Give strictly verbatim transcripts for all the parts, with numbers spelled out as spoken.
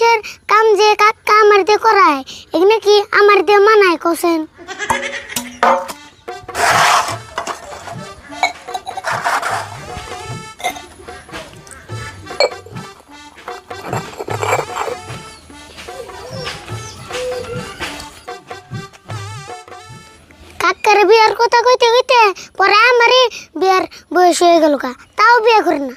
মানুষের কাম যে কাকা আমার দিয়ে করায় এগুলো কি আমার দিয়ে মানায় কোসেন? কাকার বিয়ার কথা কইতে কইতে পরে আমারই বিয়ার বয়স হয়ে গেল কা, তাও বিয়ে করে না।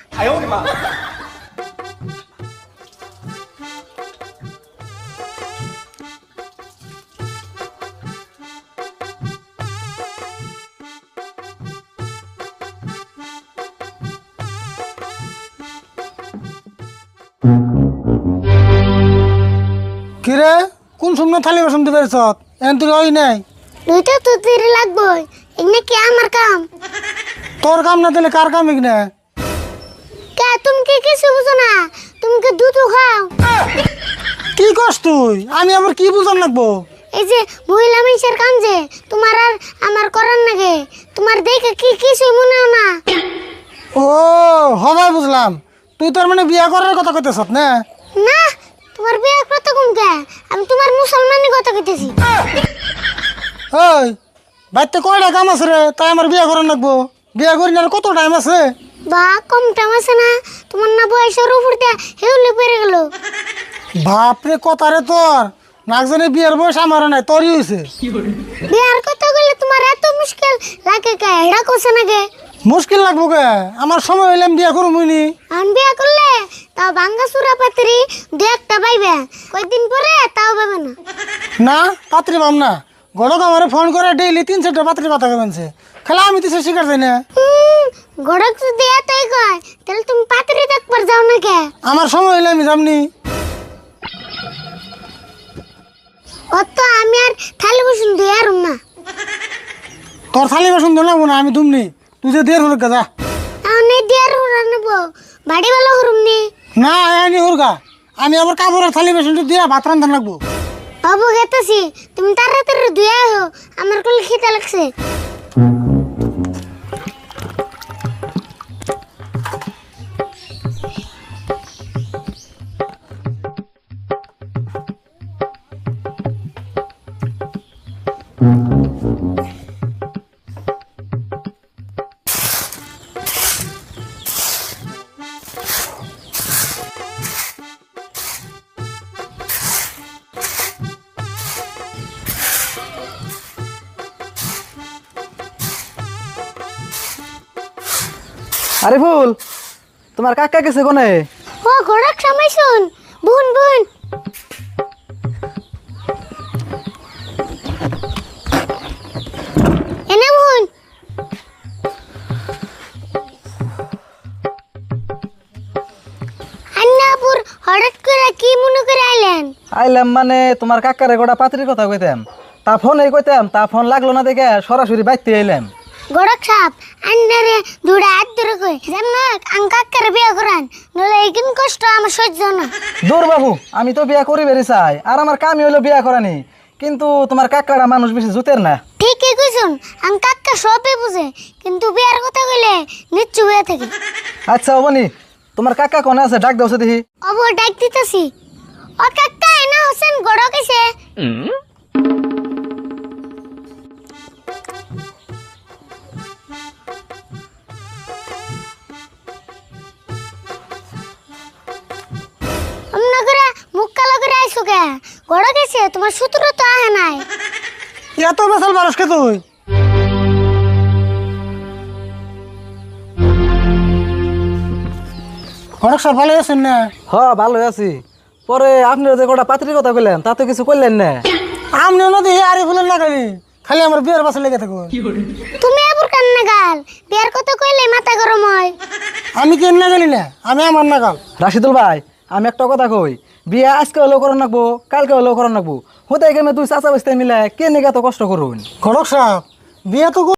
কিরে কোন সময় থালি বাসন দিবে সত এন তুই ওই নাই দুইটা তো তিরে লাগবই, এগুলো কি আমার কাম? তোর কাম না দিলে কার কাম এখানে? কে তুমি কি কিছু বুঝো না? তুমি কি দুধ খাও? কি করছ তুই? আমি আবার কি বুঝান লাগবো? এই যে মহিলা মানুষের কাম যে তোমার আর আমার করার নাগে, তোমার দেখে কি কিছু মনে হয় না? ও হবাই বুঝলাম, তুই তোর মানে বিয়া করার কথা কইতেছ না? না, তোমার বিয়ে কত কম কে? আমি তোমার মুসলমানের কথা কইতেছি। ওই বাইতে কয়টা কাম আছে রে, তাই আমার বিয়া করার লাগবো? বিয়া করি না আর কত টাইম আছে? বা কম টাইম আছে না? তোমার না বয়সের উপর দিয়ে হেউলে পেরে গেল। বাপরে কথা রে তোর, নাক জানি বিয়ার বয়স আমার নাই, তোরই হয়েছে। বিয়ার কথা গেলে তোমার এত মুশকিল লাগে কে? এটা কোসে নাগে মুশকিল লাগবো কে? আমার সময় হইলে আমি বিয়া করবো নি। আমি বিয়া করলে তাও ভাঙ্গা চূড়া পাত্রি দু একটা পাইবে, কয়েকদিন পরে তাও পাবে না। না পাত্রী পাম না, গড়ক আমার ফোন করে ডেইলি তিন চারটা পাত্রীর কথা কেমনছে, খেলা আমি তো সে শিকার যাই না। গড়ক যদি এতই কয় তাহলে তুমি পাত্রি দেখবার যাও না কে? আমার সময় হইলে আমি যামনি। অত আমি আর থালি বসুন দিয়ে আর না। তোর থালি বাসন ধরে না আমি দুমনি, তুই যে দের হুরগা যা। আমি দিয়ে আর হুরা নেব, বাড়ি ভালো হরুম নি। না আনি হুরগা, আমি আবার কাপড়ের থালি বাসনটা দিয়া ভাত রান্ধা লাগবো। বাবু গেতেছি, তুমি তাড়াতাড়ি ধুয়ে আহো, আমার কোলে খিদে লাগছে। আরে ফুল, তোমার কাকা গেছে কোনে? ও গড়ক সময় শুন, বুন বুন। এনে বুন। আন্নাপুর হঠাৎ করে কি মনে করে আইলেন? আইলাম মানে তোমার কাকারে গোটা পাত্রির কথা কইতাম, তা ফোন এই কইতাম, তা ফোন লাগলো না দেখে সরাসরি বাইতে আইলাম। গড়ক সাপ আন্নারে দুড়া হাত ধরে কই যেমন আং কাকারে বিয়ে করান, নলে এইকিন কষ্ট আমার সহ্য না। দূর বাবু, আমি তো বিয়া করি বেরি চাই, আর আমার কামই হইলো বিয়া করানি, কিন্তু তোমার কাকারা মানুষ বেশি জুতের না। ঠিকই কইছুন, আং কাকা সবই বুঝে, কিন্তু বিয়ার কথা কইলে নিচ্ছু হয়ে থাকে। আচ্ছা অবনি, তোমার কাকা কোনে আছে? ডাক দাও দেখি। অব ডাক দিতেছি। ও কাকা এনা হোসেন গড়ক এসে। অমনা করে মুখ কালো করে আইসো কে? গড়ক এসে তোমার সূত্র তো আহে নাই। এত বেসাল মানুষকে তুই? অনেক সব ভালো আছেন না? হ ভালো আছি। পরে আপনি যে গোটা পাত্রির কথা কইলেন তা তো কিছু কইলেন না। আমি নদী আরে ফুলেন না খালি খালি আমার বিয়ের বাসা লেগে থাকো। তুমি এবার কান্না গাল, বিয়ার কথা কইলে মাথা গরম হয়। আমি কেন না গেলি না, আমি আমার না গাল। রাশিদুল ভাই, আমি একটা কথা কই, বিয়া আজকে হলেও করার নাকবো, কালকে হলেও করার নাকবো। হতে গেলে দুই চাচা বসতে মিলে কে নিয়ে এত কষ্ট করুন? ঘটক সাহেব বিয়ে তো